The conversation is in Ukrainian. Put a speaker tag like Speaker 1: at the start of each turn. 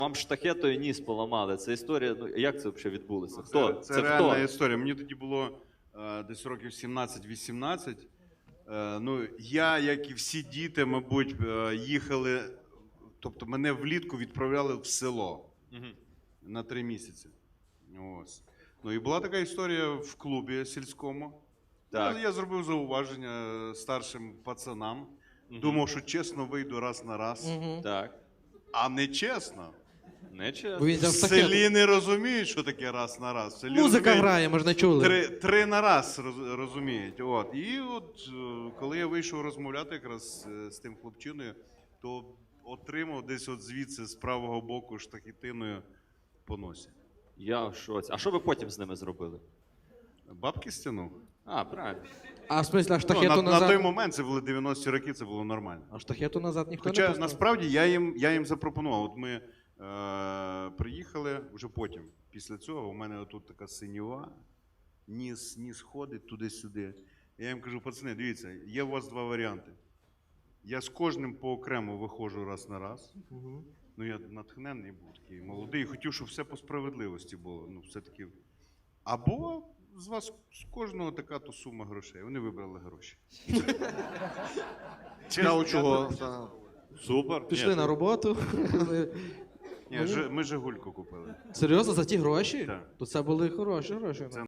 Speaker 1: Вам штахетою ніс поламали. Це історія, ну як це взагалі відбулося? Хто?
Speaker 2: Це реальна історія. Мені тоді було десь років 17-18. Ну, я, як і всі діти, мабуть, їхали, тобто мене влітку відправляли в село на 3 місяці. Ось. Ну і була така історія в клубі сільському. Так. Я зробив зауваження старшим пацанам. Думав, що чесно вийду раз на раз.
Speaker 1: Так.
Speaker 2: А не чесно.
Speaker 1: Не чесно.
Speaker 2: В селі не розуміють, що таке раз на раз. В селі
Speaker 3: Музика грає, ми ж не чули.
Speaker 2: Три на раз розуміють. От. І от коли я вийшов розмовляти якраз з тим хлопчиною, то отримав десь от звідси з правого боку штахетиною по носі.
Speaker 1: Я в шоці. А що ви потім з ними зробили?
Speaker 2: Бабки стягнув.
Speaker 1: А, правильно.
Speaker 3: А в смислі, а штахету назад?
Speaker 2: На той момент, це були 90-ті роки, це було нормально.
Speaker 3: А штахету назад ніхто не
Speaker 2: Хоча
Speaker 3: пускав?
Speaker 2: насправді я їм запропонував. От ми приїхали вже потім. Після цього у мене тут така синьова, ніс ходить туди-сюди. Я їм кажу, пацани, дивіться, є у вас 2 варіанти. Я з кожним поокремо виходжу раз на раз. Ну я натхненний був такий молодий, хотів, щоб все по справедливості було. Ну, все-таки. Або з вас з кожного така то сума грошей. Вони вибрали гроші.
Speaker 4: Цікаво, чого.
Speaker 1: Супер.
Speaker 3: Пішли на роботу.
Speaker 2: Ні, ми «Жигульку» купили.
Speaker 3: Серйозно, за ті гроші?
Speaker 2: Так.
Speaker 3: То це були хороші гроші.